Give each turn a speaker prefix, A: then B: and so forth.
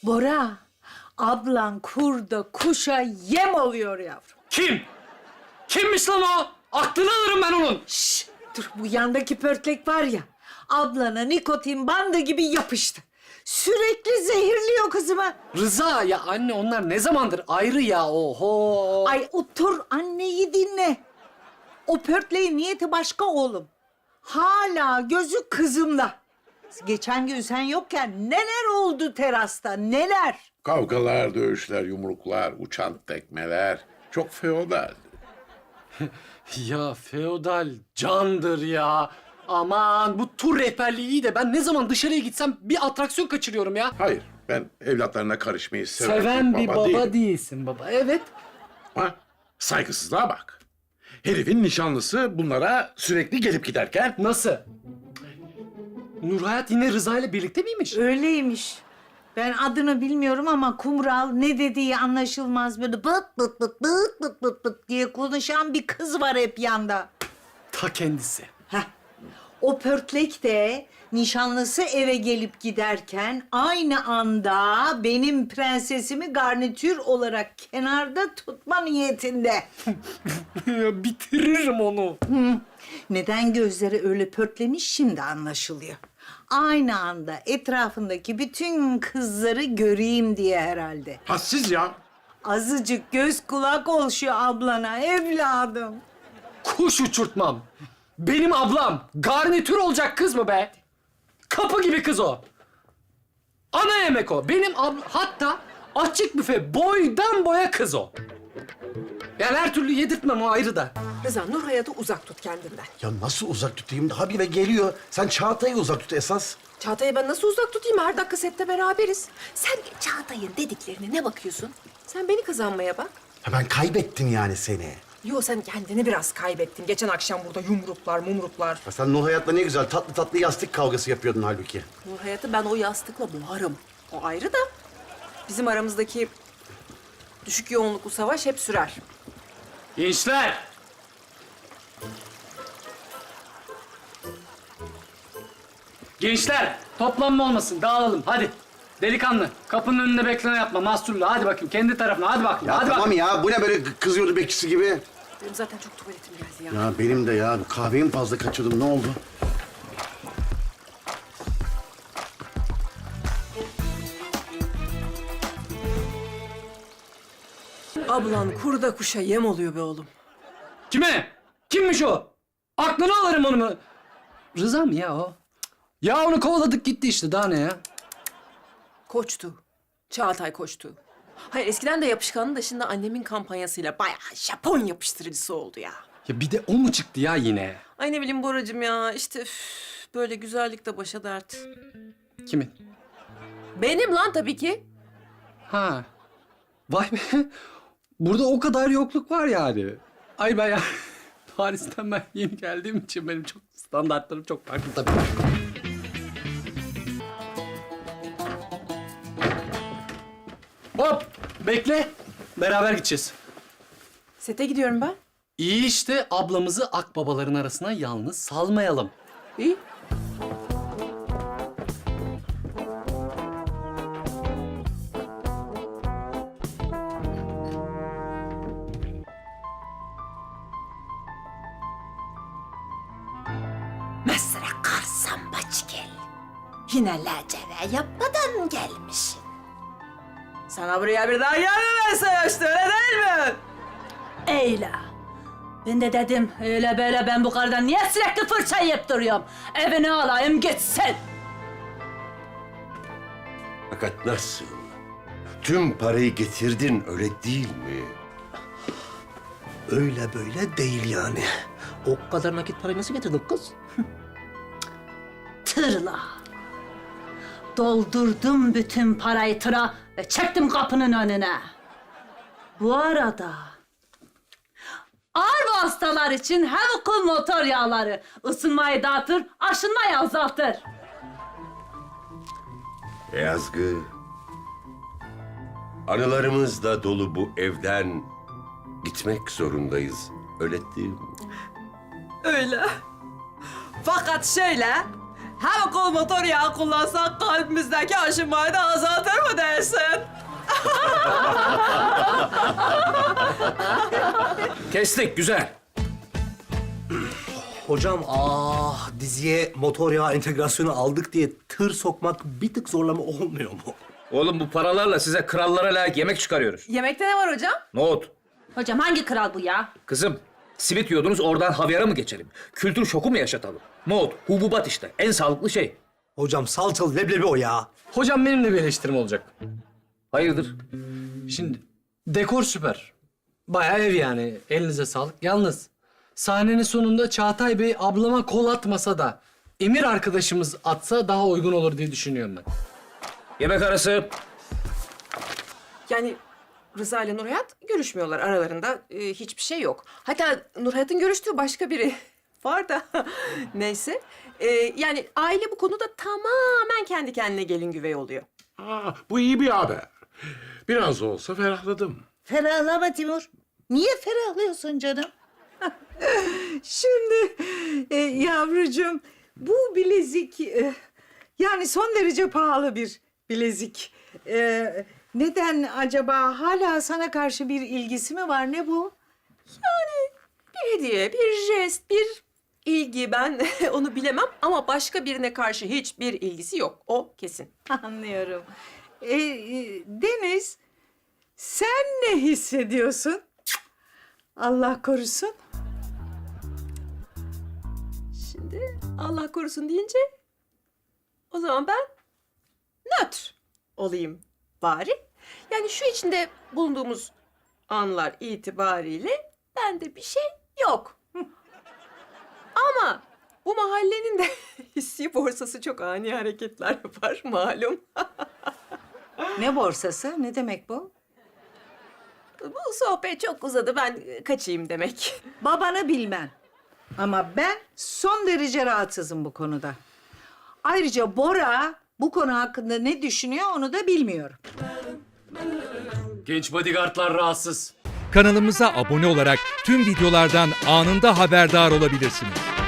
A: Bora, ablan kurda kuşa yem oluyor yavrum.
B: Kim? Kimmiş lan o? Aklını alırım ben onun.
A: Şşş, dur bu yandaki pörtlek var ya, ablana nikotin bandı gibi yapıştı. Sürekli zehirliyor kızımı.
B: Rıza ya anne onlar ne zamandır ayrı ya oho.
A: Ay otur anneyi dinle. O pörtleğin niyeti başka oğlum. Hala gözü kızımda. Geçen gün sen yokken neler oldu terasta, neler?
C: Kavgalar, dövüşler, yumruklar, uçan tekmeler. Çok feodal.
B: Ya feodal candır ya. Aman bu tur rehberliği iyi de ben ne zaman dışarıya gitsem bir atraksiyon kaçırıyorum ya.
C: Hayır, ben evlatlarına karışmayı seven,
B: Seven bir baba
C: değilim.
B: değilsin baba. Evet.
C: Ha, saygısızlığa bak. Herifin nişanlısı bunlara sürekli gelip giderken...
B: Nasıl? Nurhayat yine Rıza ile birlikte miymiş?
A: Öyleymiş. Ben adını bilmiyorum ama kumral ne dediği anlaşılmaz böyle bıt bıt bıt bıt bıt bıt bıt diye konuşan bir kız var hep yanda.
B: Ta kendisi.
A: Heh. O pörtlek de nişanlısı eve gelip giderken aynı anda benim prensesimi garnitür olarak kenarda tutma niyetinde.
B: Bitiririm onu.
A: Neden gözleri öyle pörtlemiş şimdi anlaşılıyor. Aynı anda etrafındaki bütün kızları göreyim diye herhalde.
C: Hassiz ya.
A: Azıcık göz kulak ol şu ablana evladım.
B: Kuş uçurtmam. Benim ablam garnitür olacak kız mı be? Kapı gibi kız o. Ana yemek o. Benim ablam hatta açık büfe boydan boya kız o. Yani her türlü yedirtmem o ayrı da.
D: Rıza, Nurhayat'ı uzak tut kendinden.
E: Ya nasıl uzak tutayım? Habire geliyor. Sen Çağatay'ı uzak tut esas.
D: Çağatay'ı ben nasıl uzak tutayım? Her dakika sette beraberiz. Sen Çağatay'ın dediklerine ne bakıyorsun? Sen beni kazanmaya bak.
E: Ya ben kaybettim yani seni.
D: Yo, sen kendini biraz kaybettin. Geçen akşam burada yumruklar, mumruklar.
E: Ya sen Nurhayat'la ne güzel tatlı tatlı yastık kavgası yapıyordun halbuki.
D: Nurhayat'ı ben o yastıkla boğarım. O ayrı da bizim aramızdaki düşük yoğunluklu savaş hep sürer.
B: Gençler! Gençler, toplanma olmasın, dağılalım. Hadi. Delikanlı, kapının önünde bekleme yapma, mahsurlu. Hadi bakayım, kendi tarafına. Hadi bakayım,
E: Ya
B: hadi
E: tamam
B: bakayım.
E: ya bu ne böyle kızıyordu bekçisi gibi.
D: Benim zaten çok tuvaletim geldi ya.
E: Ya benim de ya kahveyi mi fazla kaçırdım ne oldu?
D: Ablan kurda kuşa yem oluyor be oğlum.
B: Kime? Kimmiş o? Aklını alırım onu mu? Rıza mı ya o? Ya onu kovaladık gitti işte, daha ne ya?
D: Koçtu. Çağatay koçtu. Hayır, eskiden de yapışkanlı da şimdi annemin kampanyasıyla bayağı Japon yapıştırıcısı oldu ya.
B: Ya bir de o mu çıktı ya yine?
D: Ay ne bileyim Boracığım ya, işte böyle güzellik de başa dert.
B: Kimin?
D: Benim lan tabii ki.
B: Ha. Vay be. Burada o kadar yokluk var yani. Ay ben ya Paris'ten ben yeni geldiğim için benim çok standartlarım çok farklı tabii. Hop! Bekle. Beraber gideceğiz.
D: Sete gidiyorum ben.
B: İyi işte ablamızı akbabaların arasına yalnız salmayalım.
D: İyi.
A: Mesela karsan baç gel. Yine lacere yapmadan gelmişsin.
D: Sana buraya bir daha gelmemesi işte, öyle değil mi?
F: Eyle. Ben de dedim öyle böyle ben bu karıdan niye sürekli fırça yiyip duruyorum? Evine alayım gitsin.
G: Fakat nasıl? Tüm parayı getirdin, öyle değil mi?
H: Öyle böyle değil yani. O kadar nakit parayı nasıl getirdin kız?
F: Tırla. Doldurdum bütün parayı tıra ve çektim kapının önüne. Bu arada ağır hastalar için Hevkul motor yağları ısınmayı dağıtır, aşınmayı azaltır.
G: Yazgı, anılarımızla dolu bu evden gitmek zorundayız. Öyle değil mi?
D: Öyle. Fakat şöyle, Hem kol motor yağı kullansak kalbimizdeki aşınmayı da azaltır mı dersin?
I: Kestik, güzel.
H: Hocam diziye motor yağı entegrasyonu aldık diye tır sokmak bir tık zorlama olmuyor mu?
I: Oğlum bu paralarla size krallara layık yemek çıkarıyoruz.
D: Yemekte ne var hocam?
I: Nohut.
F: Hocam hangi kral bu ya?
I: Kızım, simit yiyordunuz oradan havyara mı geçelim? Kültür şoku mu yaşatalım? Nohut, hububat işte. En sağlıklı şey.
H: Hocam salçalı leblebi o ya.
B: Hocam benim de bir eleştirim olacak.
I: Hayırdır?
B: Şimdi dekor süper. Bayağı ev yani. Elinize sağlık. Yalnız sahnenin sonunda Çağatay Bey ablama kol atmasa da Emir arkadaşımız atsa daha uygun olur diye düşünüyorum ben.
I: Yemek arası.
D: Yani Rıza ile Nurhayat görüşmüyorlar. Aralarında hiçbir şey yok. Hatta Nurhayat'ın görüştüğü başka biri var da neyse. Yani aile bu konuda tamamen kendi kendine gelin güvey oluyor.
C: Bu iyi bir haber. Biraz da olsa ferahladım.
A: Ferahlama Timur. Niye ferahlıyorsun canım? Şimdi yavrucuğum bu bilezik yani son derece pahalı bir bilezik. Neden acaba hala sana karşı bir ilgisi mi var? Ne bu?
D: Bir hediye, bir jest, bir ilgi ben onu bilemem ama başka birine karşı hiçbir ilgisi yok. O kesin.
A: Anlıyorum. Deniz, sen ne hissediyorsun? Allah korusun.
D: Şimdi Allah korusun deyince o zaman ben nötr olayım bari. Yani şu içinde bulunduğumuz anlar itibariyle bende bir şey yok. Ama bu mahallenin de hissi borsası çok ani hareketler yapar malum.
A: Ne borsası? Ne demek bu?
D: Bu sohbet çok uzadı, ben kaçayım demek.
A: Babanı bilmem. Ama ben son derece rahatsızım bu konuda. Ayrıca Bora bu konu hakkında ne düşünüyor onu da bilmiyorum.
B: Genç bodyguardlar rahatsız.
J: Kanalımıza abone olarak tüm videolardan anında haberdar olabilirsiniz.